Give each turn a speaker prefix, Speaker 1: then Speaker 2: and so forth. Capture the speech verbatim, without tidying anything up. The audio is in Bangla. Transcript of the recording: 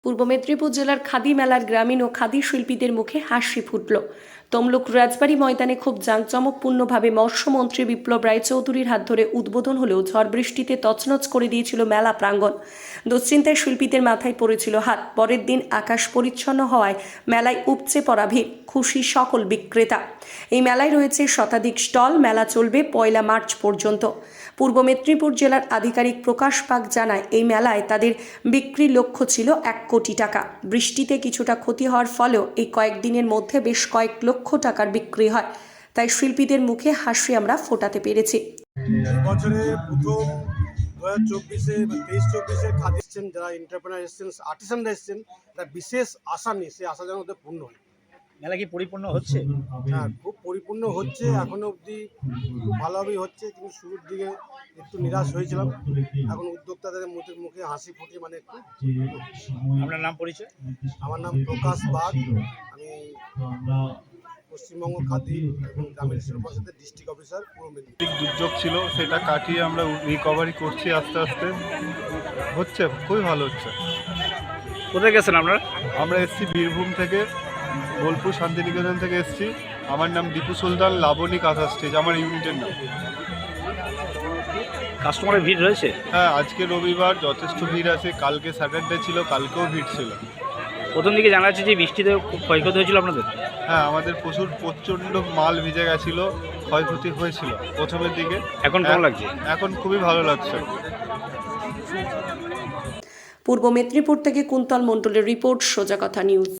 Speaker 1: পূর্ব মেদিনীপুর জেলার খাদি মেলার গ্রামীণ ও খাদি শিল্পীদের মুখে হাসি ফুটল। তমলুক রাজবাড়ী ময়দানে খুব জাঁকজমকপূর্ণভাবে মৎস্যমন্ত্রী বিপ্লব রায়চৌধুরীর হাত ধরে উদ্বোধন হলেও ঝড় বৃষ্টিতে তছনছ করে দিয়েছিল মেলা প্রাঙ্গণ। দুশ্চিন্তায় শিল্পীদের মাথায় পড়েছিল হাত। পরের দিন আকাশ পরিচ্ছন্ন হওয়ায় মেলায় উপচে পড়া ভিড়, খুশি সকল বিক্রেতা। এই মেলায় রয়েছে শতাধিক স্টল। মেলা চলবে পয়লা মার্চ পর্যন্ত। পূর্ব মেদিনীপুর জেলার আধিকারিক প্রকাশ পাক জানায়, এই মেলায় তাদের বিক্রি লক্ষ্য ছিল এক কোটি টাকা। বৃষ্টিতে কিছুটা ক্ষতি হওয়ার ফলেও এই কয়েকদিনের মধ্যে বেশ কয়েক লক্ষ টাকার বিক্রি হয়। তাই শিল্পীদের মুখে হাসি আমরা ফোটাতে পেরেছি।
Speaker 2: বছরে প্রথম দু হাজার চব্বিশে তেইশ চব্বিশে খাদি এসছেন, যারা এন্টারপ্রেনার এসছেন, আর্টিসানরা এসছেন, একটা বিশেষ আশা নিয়ে সেই আশা যেন ওদের পূর্ণ হয়।
Speaker 3: মেলা কি পরিপূর্ণ হচ্ছে?
Speaker 2: হ্যাঁ, খুব পরিপূর্ণ হচ্ছে। এখনো অবধি খুব ভালোভাবেই হচ্ছে, কিন্তু শুরুর দিকে একটু নিরাশ হয়েছিলাম। এখন উদ্যোক্তাদের মুখে মুখে হাসি ফুটে, মানে একটু।
Speaker 3: আপনার নাম, পরিচয়?
Speaker 2: আমার নাম প্রকাশ বাগ। আমি পশ্চিমবঙ্গ খাদি এবং গ্রামীণ শিল্প পরিষদের ডিস্ট্রিক্ট অফিসার, পূর্ব মেদিনীপুর।
Speaker 4: দুর্যোগ ছিল, সেটা কাটিয়ে আমরা রিকভারি করছি আস্তে আস্তে। হচ্ছে, খুবই ভালো হচ্ছে।
Speaker 3: কোথায় গেছেন আপনারা?
Speaker 4: আমরা এসেছি বীরভূম থেকে, বোলপুর শান্তিনিকেতন থেকে এসেছি। আমার নাম দীপু সুলতান, লাবণী কাঁথা স্টেজ আমার ইউনিটের নাম।
Speaker 3: কাস্টমারের ভিড় রয়েছে?
Speaker 4: হ্যাঁ, আজকে রবিবার যথেষ্ট ভিড় আছে। কালকে স্যাটারডে ছিল, কালকেও ভিড় ছিল।
Speaker 3: প্রথম দিকে জানা যাচ্ছে যে বৃষ্টিতে খুব ক্ষয়ক্ষতি হয়েছিল আপনাদের?
Speaker 4: হ্যাঁ, আমাদের প্রচুর প্রচণ্ড মাল ভিজে গেছিল, ক্ষয়ক্ষতি হয়েছিল প্রথমের দিকে।
Speaker 3: এখন কেমন লাগছে?
Speaker 4: এখন খুবই ভালো লাগছে।
Speaker 1: পূর্ব মেদিনীপুর থেকে কুন্তল মণ্ডলের রিপোর্ট, সোজা কথা নিউজ।